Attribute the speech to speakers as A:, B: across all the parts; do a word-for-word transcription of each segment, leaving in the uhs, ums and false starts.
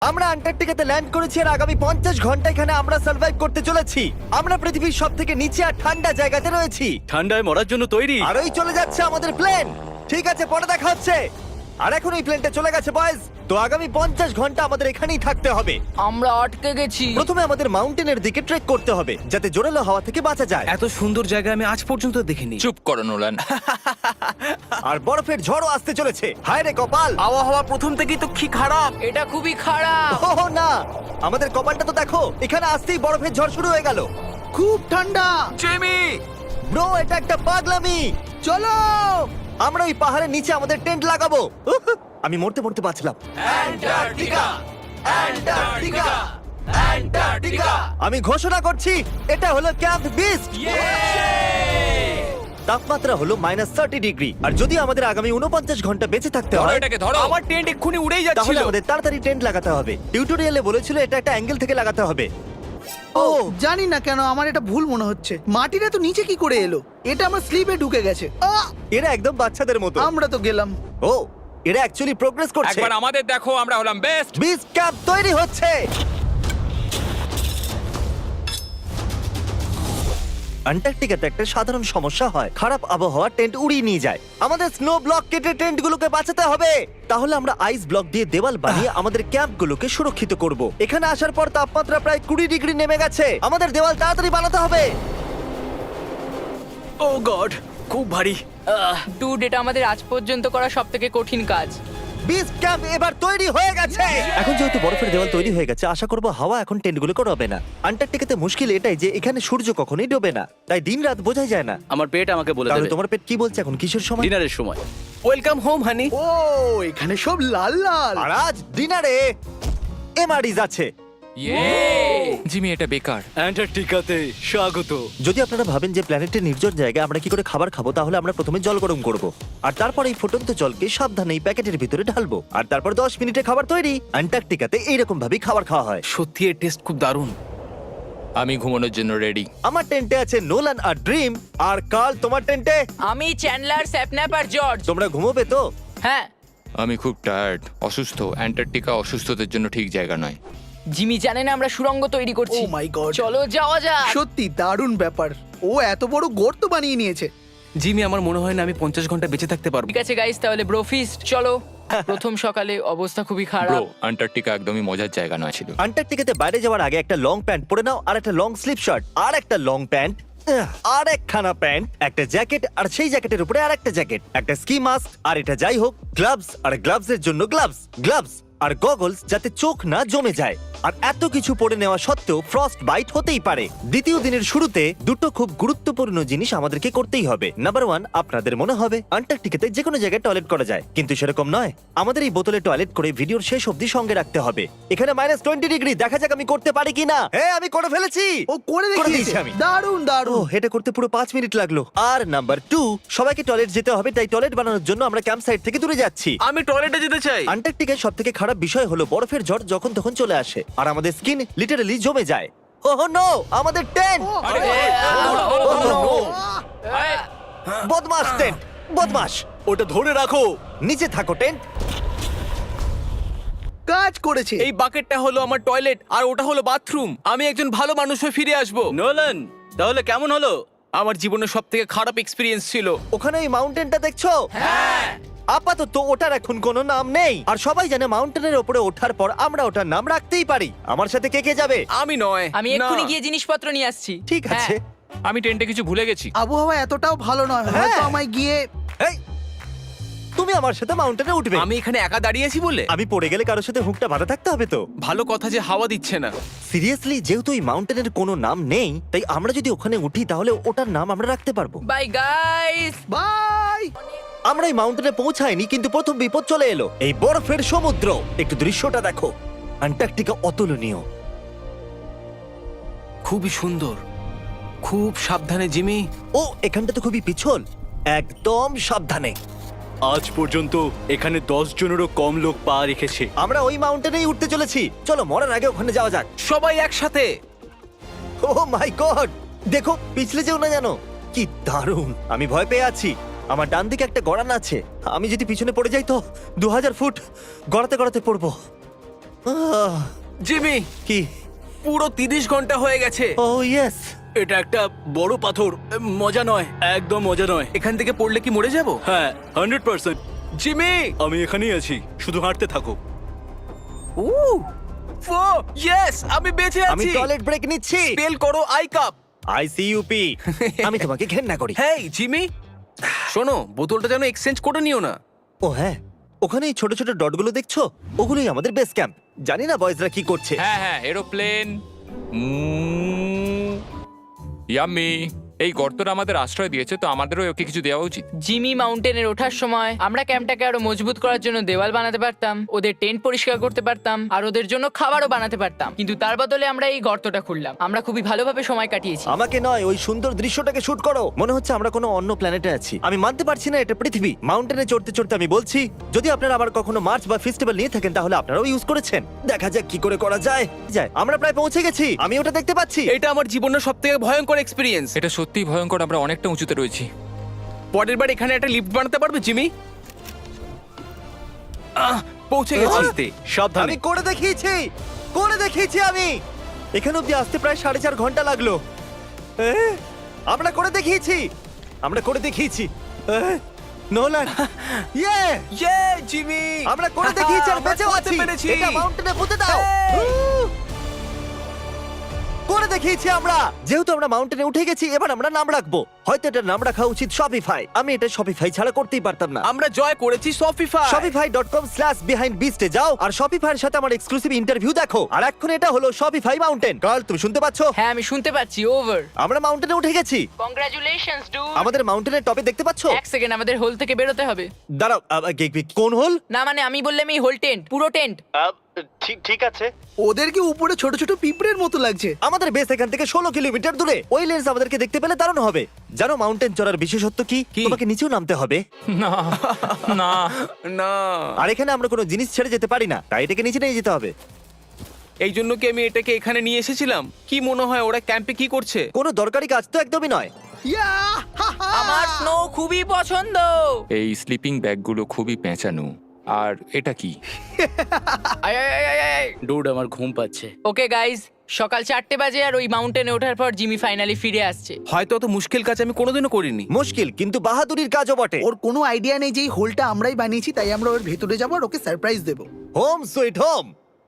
A: আমরা আন্টার্কটিকাতে ল্যান্ড করেছি আর আগামী পঞ্চাশ ঘন্টা এখানে আমরা সার্ভাইভ করতে চলেছি। আমরা পৃথিবীর সব থেকে নিচে আর ঠান্ডা জায়গাতে রয়েছি,
B: ঠান্ডায় মরার জন্য তৈরি।
A: আর ওই চলে যাচ্ছে আমাদের প্লেন। ঠিক আছে, পরে দেখা হচ্ছে। আর এখন এই প্লেনটা চলে গেছে বয়েজ। তো আগামী পঞ্চাশ ঘন্টা আমাদের এখানেই থাকতে হবে।
C: আমরা আটকে গেছি।
A: প্রথমে আমাদের মাউন্টেনের দিকে ট্রেক করতে হবে যাতে জোরালো হাওয়া থেকে বাঁচা যায়।
B: এত সুন্দর জায়গা আমি আজ পর্যন্ত দেখিনি।
D: চুপ করো নোলান।
A: আর বরফের ঝড়ও আসতে চলেছে। হায় রে কপাল!
B: আবহাওয়া প্রথম থেকেই তো কি খারাপ।
C: এটা খুবই খারাপ।
A: ও না, আমাদের কপালটা তো দেখো, এখানে আসতেই বরফের ঝড় শুরু হয়ে গেল।
E: খুব ঠান্ডা।
B: জেমি,
A: ব্রো, এটা একটা পাগলামি।
E: চলো।
A: আমরা ওই পাহাড়ের নিচে আমাদের টেন্ট লাগাবো। উহ, আমি মরতে মরতে বাঁচলাম। আমি ঘোষণা করছি, এটা হলো ক্যাম্প বিস্ট। তাপমাত্রা হলো মাইনাস থার্টি ডিগ্রি। আর যদি আমাদের আগামী উনপঞ্চাশ ঘন্টা বেঁচে থাকতে
D: ধরো
A: হয়,
D: এটাকে, ধরো।
B: আমার টেন্ট এক্ষুনি উড়েই
A: তাহলে
B: যাচ্ছিল।
A: আমাদের তাড়াতাড়ি টেন্ট লাগাতে হবে। টিউটোরিয়ালে বলেছিল এটা একটা অ্যাঙ্গেল থেকে লাগাতে হবে।
E: ও জানি না কেন আমার এটা ভুল মনে হচ্ছে। মাটিটা তো নিচে কি করে এলো? এটা আমার স্লিপে ঢুকে গেছে। আহ!
A: এরা একদম বাচ্চাদের মতো।
E: আমরা তো গেলাম।
A: ও, এরা অ্যাকচুয়ালি প্রোগ্রেস করছে।
D: একবার আমাদের দেখো, আমরা হলাম বেস্ট।
A: বিচ ক্যাম্প তৈরি হচ্ছে। আন্টার্কটিকাতে একটা সাধারণ সমস্যা হয়, খারাপ আবহাওয়া টেন্ট উড়িয়ে নিয়ে যায়। আমাদের স্নো ব্লক কেটে টেন্টগুলোকে বাঁচাতে হবে। তাহলে আমরা আইস ব্লক দিয়ে দেওয়াল বানিয়ে আমাদের ক্যাম্পগুলোকে সুরক্ষিত করব। এখানে আসার পর তাপমাত্রা প্রায় কুড়ি ডিগ্রি নেমে গেছে। আমাদের দেওয়াল তাড়াতাড়ি বানাতে হবে।
B: ও গড, খুব ভারী।
C: ডুড, এটা আমাদের আজ পর্যন্ত করা সব থেকে কঠিন কাজ।
A: বিচ ক্যাম্প এবার তৈরি হয়ে গেছে। এখন যেহেতু বরফের দেওয়াল তৈরি হয়ে গেছে, আশা করবো হাওয়া এখন টেন্টগুলোকে ডোবে না। আন্টার্কটিকাতে মুশকিল এটাই যে এখানে সূর্য কখনোই ডোবে না, তাই দিন রাত বোঝাই যায় না।
B: আমার পেট আমাকে বলে
A: তাহলে
B: দেবে
A: তোমার পেট কি বলছে এখন? কিসের সময়?
B: ডিনারের সময়। Welcome home honey.
E: ও এখানে সব লাল লাল।
A: আর আজ ডিনারে এমআরইজ আছে।
D: ইয়ে জিমি, এটা বেকার।
B: অ্যান্টার্কটিকাতে স্বাগত।
A: যদি আপনারা ভাবেন যে প্ল্যানেটের নির্জন জায়গায় আমরা কি করে খাবার খাবো, তাহলে আমরা প্রথমে জল গরম করব, আর তারপর এই ফুটন্ত জলকে সাবধানে এই প্যাকেটের ভিতরে ঢালবো, আর তারপর দশ মিনিটে খাবার তৈরি। অ্যান্টার্কটিকাতে এইরকম ভাবেই খাবার খাওয়া হয়।
B: সত্যি এর টেস্ট খুব দারুণ।
D: আমি ঘুমানোর জন্য রেডি।
A: আমার টেন্টে আছে নোলান আর ড্রিম। আর কাল, তোমার টেন্টে?
C: আমি চ্যান্ডলার, স্যাপন্যাপ আর জর্জ।
A: তোমরা ঘুমোবে তো?
C: হ্যাঁ।
D: আমি খুব টায়ার্ড, অসুস্থ। অ্যান্টার্কটিকা অসুস্থদের জন্য ঠিক জায়গা নয়।
C: জিমি জানে না আমরা সুড়ঙ্গ তৈরি করছি।
E: Oh my God!
C: চলো যাওয়া যাক।
E: সত্যি দারুণ ব্যাপার। ও এত বড় গর্ত বানিয়ে নিয়েছে।
B: জিমি, আমার মনে হয় না আমি পঞ্চাশ ঘন্টা বেঁচে থাকতে পারবো।
C: ঠিক আছে গাইস, তাহলে ব্রোফিস্ট চলো। প্রথম সকালে অবস্থা খুবই
D: ব্রো,
C: খারাপ।
D: অ্যান্টার্কটিকা একদমই মজার জায়গা নয় ছিল।
A: আন্টার্কটিকাতে বাইরে যাওয়ার আগে একটা লং প্যান্ট পরে নাও, আর একটা লং স্লিপ শার্ট, আর একটা লং প্যান্ট, আর একখানা প্যান্ট, একটা জ্যাকেট, আর সেই জ্যাকেটের উপরে আর একটা জ্যাকেট, একটা স্কি মাস্ক, আর এটা যাই হোক গ্লাভস, আর গ্লাভস এর জন্য গ্লাভস, গ্লাভস আর গগলস যাতে চোখ না জমে যায়। আর এত কিছু পরে নেওয়া সত্ত্বেও ফ্রস্ট বাইট হতেই পারে। দ্বিতীয় দিনের শুরুতে দুটো খুব গুরুত্বপূর্ণ জিনিস আমাদেরকে করতেই হবে। নাম্বার ওয়ান, আপনাদের মনে হবে আন্টার্কটিকাতে যে কোনো জায়গায় টয়লেট করা যায়, কিন্তু সেরকম নয়। আমাদের এই বোতলে টয়লেট করে ভিডিওর শেষ অবধি সঙ্গে রাখতে হবে। এখানে মাইনাস টোয়েন্টি ডিগ্রি, দেখা যাক আমি করতে পারি কিনা। হ্যাঁ, আমি করে ফেলেছি।
E: ও করে
A: করে দিয়েছি
E: দেখিয়েছে।
A: আমি।
E: দারুণ
A: ও,
E: দারুণ।
A: এটা করতে পুরো পাঁচ মিনিট লাগলো। আর নাম্বার টু, সবাইকে টয়লেট যেতে হবে, তাই টয়লেট বানানোর জন্য আমরা ক্যাম্প সাইট থেকে দূরে যাচ্ছি।
B: আমি টয়লেটে যেতে চাই।
A: আন্টার্কটিকার সব থেকে খারাপ বিষয় হলো বরফের ঝড় যখন তখন চলে আসে, আর আমাদের স্কিন লিটারালি জমে যায়। ওহ নো, আমাদের টেন্ট! বদমাস টেন্ট, বদমাস!
B: ওটা ধরে রাখো।
A: নিচে থাকো টেন্ট।
E: কাজ করেছে।
B: এই বাকেটটা হলো আমার টয়লেট আর ওটা হলো বাথরুম। আমি একজন ভালো মানুষ হয়ে ফিরে আসবো। নোলান, তাহলে কেমন হলো? আমার জীবনের সব থেকে খারাপ এক্সপিরিয়েন্স ছিল।
A: ওখানে ওই মাউন্টেনটা দেখছো? হ্যাঁ। আপাতত ওটার এখন কোনো নাম নেই, আর সবাই জানে মাউন্টেনের উপরে ওঠার পর আমরা ওটার নাম রাখতেই পারি। আমার সাথে কে কে যাবে?
B: আমি নয়।
C: আমি
B: না।
C: এক্ষুনি গিয়ে জিনিসপত্র নিয়ে আসছি।
A: ঠিক আছে।
D: আমি টেন্টে কিছু ভুলে গেছি।
E: আবহাওয়া এতটাও ভালো নয়,
A: হ্যাঁ।
E: হয়তো আমায় গিয়ে।
A: এই, তুমি আমার সাথে মাউন্টেনে উঠবে?
B: আমি এখানে একা দাঁড়িয়ে আছি বলে?
A: আমি পড়ে গেলে কারোর সাথে হুকটা বাঁধা থাকতে হবে তো।
B: ভালো কথা যে হাওয়া দিচ্ছে না।
A: সিরিয়াসলি, যেহেতু এই মাউন্টেনের কোনো নাম নেই, তাই আমরা যদি ওখানে উঠি তাহলে ওটার নাম আমরা রাখতে পারবো।
C: Bye guys.
E: বাই।
A: আমরা এই মাউন্টেনে পৌঁছাইনি, কিন্তু প্রথম বিপদ চলে এলো। এই বরফের সমুদ্র, একটু দৃশ্যটা দেখো। আন্টার্কটিকা অতুলনীয়।
B: খুবই সুন্দর। খুব সাবধানে জিমি।
A: ও, এখানটা তো খুবই পিছল। একদম সাবধানে।
F: আজ পর্যন্ত এখানে দশ জনেরও কম লোক পা রেখেছে।
A: আমরা ওই মাউন্টেনেই উঠতে চলেছি। চলো মরার আগে ওখানে যাওয়া যাক।
B: সবাই একসাথে।
A: ও মাই গড, দেখো পিছলে যেও না জানো। কি দারুণ! আমি ভয় পেয়ে আছি। আমার ডান দিকে একটা গড়ান আছে, আমি যদি পিছনে পড়ে যাই তো দু হাজার ফুট গড়াতে গড়াতে পড়বো। আহ,
B: জিমি,
A: কি
B: পুরো তিরিশ ঘন্টা হয়ে গেছে।
A: ও ইয়েস
F: এটা একটা বড় পাথর, মজা নয়, একদম মজা নয়।
B: এখান থেকে পড়লে কি মরে যাব?
F: হ্যাঁ, হান্ড্রেড পার্সেন্ট।
B: জিমি,
F: আমি এখানেই আছি, শুধু হাঁটতে থাকো।
B: ও ফো ইয়েস, আমি বেঁচে
A: আমি
B: আছি।
A: টয়লেট ব্রেক নিচ্ছি।
B: স্পেল করো আই কাপ।
A: আইসিইউপি আমি তোমাকে ঘেন্না করি।
B: হেই জিমি, শোনো, বোতলটা যেন এক্সচেঞ্জ করে নিও না।
A: ও হ্যাঁ, ওখানে এই ছোট ছোট ডটগুলো দেখছো, ওগুলোই আমাদের বেস ক্যাম্প। জানি না বয়েজরা কি করছে।
D: হ্যাঁ হ্যাঁ এরোপ্লেন। ইয়াম্মি। এই গর্তটা আমাদের আশ্রয় দিয়েছে, তো আমাদেরও ওকে কিছু দেওয়া উচিত।
C: জিমি মাউন্টেনের ওঠার সময় আমরা ক্যাম্পটাকে আরো মজবুত করার জন্য দেওয়াল বানাতে পারতাম, ওদের টেন্ট পরিষ্কার করতে পারতাম, আর ওদের জন্য খাবারও বানাতে পারতাম। কিন্তু তার বদলে আমরা এই গর্তটা খুললাম। আমরা খুবই ভালোভাবে সময় কাটিয়েছি।
A: আমাকে নয়, ওই সুন্দর দৃশ্যটাকে শুট করো। মনে হচ্ছে আমরা কোনো অন্য প্ল্যানেটে আছি। আমি মানতে পারছি না এটা পৃথিবী। মাউন্টেনে চড়তে চড়তে আমি বলছি, যদি আপনারা আবার কখনো মার্চ বা ফেস্টিভ্যাল নিয়ে থাকেন তাহলে আপনারাও ইউজ করেছেন। দেখা যাক কি করে করা যায়। যায় আমরা প্রায় পৌঁছে গেছি, আমি ওটা দেখতে পাচ্ছি।
B: এটা আমার জীবনের সবথেকে ভয়ঙ্কর এক্সপেরিয়েন্স।
D: এটা সত্যিই ভয়ঙ্কর, আমরা অনেকটা উঁচুতে রয়েছি।
B: পরের বার এখানে একটা লিফট বানাতে পারবে জিমি? আহ, পৌঁছে গেছি।
A: আস্তে।
F: সাবধানে।
A: আমি করে দেখিয়েছি, করে দেখিয়েছি আমি। এখানে অব্দি আসতে প্রায় সাড়ে চার ঘন্টা লাগলো। এ, আমরা করে দেখিয়েছি, আমরা করে দেখিয়েছি। এ, নোলান, ইয়ে,
B: ইয়ে জিমি,
A: আমরা করে দেখিয়েছি আর
B: আমরা
A: বেঁচেও
B: করতে
A: আছি।
B: পেরেছি।
A: এটা মাউন্টেনে পুঁতে দাও।
B: Hey!
A: উহ! করে দেখিয়েছি আমরা। যেহেতু আমরা মাউন্টেনে উঠে গেছি, এবার আমরা নাম রাখবো। হয়তো এটার নাম রাখা উচিত শপিফাই। আমি এটা শপিফাই ছাড়া করতেই পারতাম না।
B: আমরা জয় করেছি Shopify.
A: Shopify dot com slash behind বিস্টে যাও আর শপিফাইয়ের সাথে আমার এক্সক্লুসিভ ইন্টারভিউ দেখো। আর এখন এটা হলো শপিফাই মাউন্টেন। কার্ল, তুমি শুনতে পাচ্ছো?
C: হ্যাঁ, আমি শুনতে পাচ্ছি। ওভার।
A: আমরা মাউন্টেনে উঠে গেছি।
C: কংগ্রাচুলেশনস ডু।
A: আমাদের মাউন্টেনের টপে দেখতে পাচ্ছো?
C: এক সেকেন্ড, আমাদের হোল থেকে বেরোতে হবে।
A: দাঁড়াও, আ, আ, গে- গে- কোন হল?
C: না মানে আমি বললাম এই হোল টেন্ট, পুরো টেন্ট।
A: ঠিক ঠিক আছে।
E: ওদেরকে উপরে ছোট ছোট পিঁপড়ের মতো লাগছে।
A: আমাদের বেস এখান থেকে ষোলো কিলোমিটার দূরে। ওই লেন্স আমাদেরকে দেখতে পেলে দারুণ হবে। জানো মাউন্টেন চড়ার বিশেষত্ব কি?
B: কি?
A: তোমাকে নিচেও নামতে হবে।
D: না না
B: না,
A: আর এখানে আমরা কোনো জিনিস ছেড়ে যেতে পারি না, তাই এটাকে নিচে নিয়ে যেতে হবে।
B: এই জন্য কি আমি এটাকে এখানে নিয়ে এসেছিলাম? কি মনে হয় ওরা ক্যাম্পে কি করছে?
A: কোনো দরকারি কাজ তো একদমই নয়।
E: ইয়া, হা, হা।
C: আমার স্নো খুবই পছন্দ।
D: এই স্লিপিং ব্যাগগুলো খুবই পেঁচানো। আর এটা কি?
C: আয় আয় আয় আয় আয়।
F: ডুড, আমার ঘুম পাচ্ছে।
C: ওকে গাইজ, সকাল চারটে বাজে আর ওই মাউন্টেনে ওঠার পর জিমি ফাইনালি ফিরে আসছে।
B: হয়তো অত মুশকিল কাজ আমি কোনোদিনও করিনি।
A: মুশকিল কিন্তু বাহাদুরির কাজও বটে।
E: ওর কোনো আইডিয়া নেই যে এই হোলটা আমরাই বানিয়েছি, তাই আমরা ওর ভেতরে যাবো আর ওকে সারপ্রাইজ দেবো।
A: Home sweet home.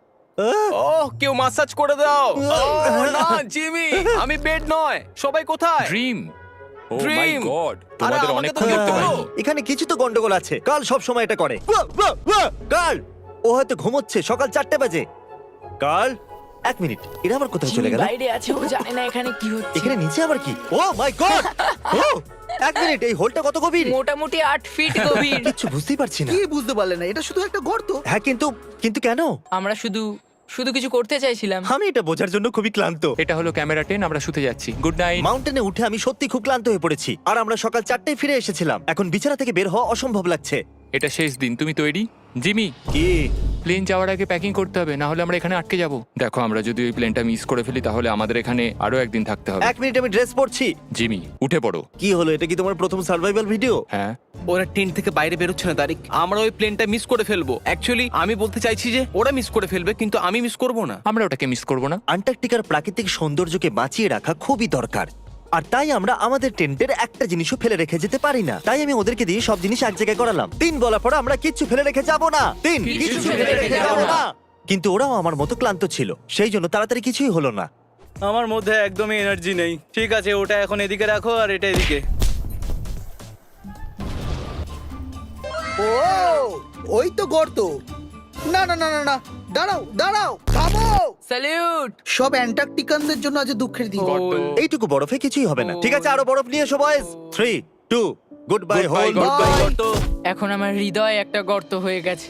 B: ওহ, কেউ মাসাজ করে দাও। ওহ, না জিমি, আমি বেড নয়। সবাই কোথায়?
D: Dream. Oh my
B: Dream!
D: God,
B: আরে,
D: তোমাদের
B: আমাকে
D: অনেকক্ষণ
B: তো
D: দেখতে
B: বলো।
D: পাইনি।
A: এখানে কিছু তো গন্ডগোল আছে। কাল সব সময় এটা করে। ওয়া, ওয়া, ওয়া! কাল, ও হয়তো ঘুমোচ্ছে। সকাল চারটে বাজে। কাল, এক মিনিট, এরা আবার কোথায় চলে
C: জিমি
A: গেল?
C: বাইরে আছে, ও জানে না এখানে কি হচ্ছে।
A: এখানে নিচে আবার কি? ও মাই গড! ও, এক মিনিট, এই হোলটা কত গভীর?
C: মোটামুটি আট ফিট গভীর।
A: কিচ্ছু বুঝতেই পারছি না।
E: কি বুঝতে পারলে না? এটা শুধু একটা গর্ত।
A: হ্যাঁ, কিন্তু কিন্তু কেন?
C: আমরা শুধু শুধু কিছু করতে চাইছিলাম।
A: আমি এটা বোঝার জন্য খুবই ক্লান্ত।
D: এটা হলো ক্যামেরা টেন, আমরা শুতে যাচ্ছি। Good night.
A: মাউন্টেনে উঠে আমি সত্যি খুব ক্লান্ত হয়ে পড়েছি। আর আমরা সকাল চারটায় ফিরে এসেছিলাম। এখন বিছানা থেকে বের হওয়া অসম্ভব লাগছে।
D: এটা শেষ দিন, তুমি তৈরি? জিমি,
A: কি?
D: প্লেন যাওয়ার আগে প্যাকিং করতে হবে, না হলে আমরা এখানে আটকে যাব। দেখো, আমরা যদি ওই প্লেনটা মিস করে ফেলি তাহলে আমাদের এখানে আরো একদিন থাকতে হবে।
A: এক মিনিট, আমি ড্রেস পরছি।
D: জিমি, উঠে পড়ো।
A: কি হলো? এটা কি তোমার প্রথম সার্ভাইভাল ভিডিও?
D: হ্যাঁ।
B: ওরা টেন্ট থেকে বাইরে বেরোচ্ছে না তারিক। আমরা ওই প্লেনটা মিস করে ফেলবো। অ্যাকচুয়ালি আমি বলতে চাইছি যে ওরা মিস করে ফেলবে, কিন্তু আমি মিস করব না।
D: আমরা ওটাকে মিস করবো না।
A: আন্টার্কটিকার প্রাকৃতিক সৌন্দর্যকে বাঁচিয়ে রাখা খুবই দরকার। আর তাই আমরা আমাদের টেন্টের একটা জিনিসও ফেলে রেখে যেতে পারি না। তাই আমি ওদেরকে দিয়ে সব জিনিস এক জায়গায় করালাম। তিন বলার পর আমরা কিচ্ছু ফেলে রেখে যাব না। তিন, কিছু ফেলে রেখে যাব না। কিন্তু ওরাও আমার মতো ক্লান্ত ছিল, সেই জন্য তাড়াতাড়ি কিছুই হলো না।
F: আমার মধ্যে একদমই এনার্জি নেই। ঠিক আছে, ওটা এখন এদিকে রাখো আর এটা এদিকে।
E: ও, ওই তো গর্ত। না না না না না, দাঁড়াও দাঁড়াও, থামো।
C: স্যালিউট।
E: সব অ্যান্টার্কটিকানদের জন্য আজ দুঃখের দিন।
A: এইটুকু বরফে কিছুই হবে না। ঠিক আছে, আরো বরফ নিয়ে এসো boys. Three, two, good bye hole.
E: Goodbye.
C: এখন আমার হৃদয় একটা গর্ত হয়ে গেছে।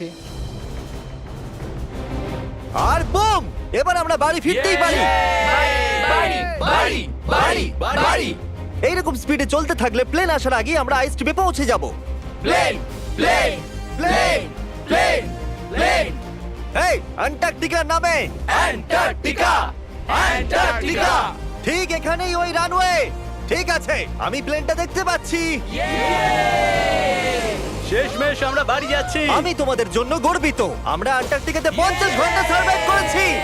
A: আর বুম! এবার আমরা বাড়ি ফিরতেই পারি।
C: বাড়ি, বাড়ি, বাড়ি, বাড়ি।
A: এইরকম স্পিডে চলতে থাকলে প্লেন আসার আগে আমরা আইস টিপে পৌঁছে যাব।
C: Plane, plane, plane, plane, plane.
A: এই অ্যান্টার্কটিকার নামে।
C: Antarctica, Antarctica.
A: ঠিক এখানেই ওই রানওয়ে। ঠিক আছে, আমি প্লেনটা দেখতে পাচ্ছি।
F: শেষমেশ আমরা বাড়ি যাচ্ছি।
A: আমি তোমাদের জন্য গর্বিত। আমরা আন্টার্কটিকাতে পঞ্চাশ ঘন্টা সার্ভাইভ করেছি।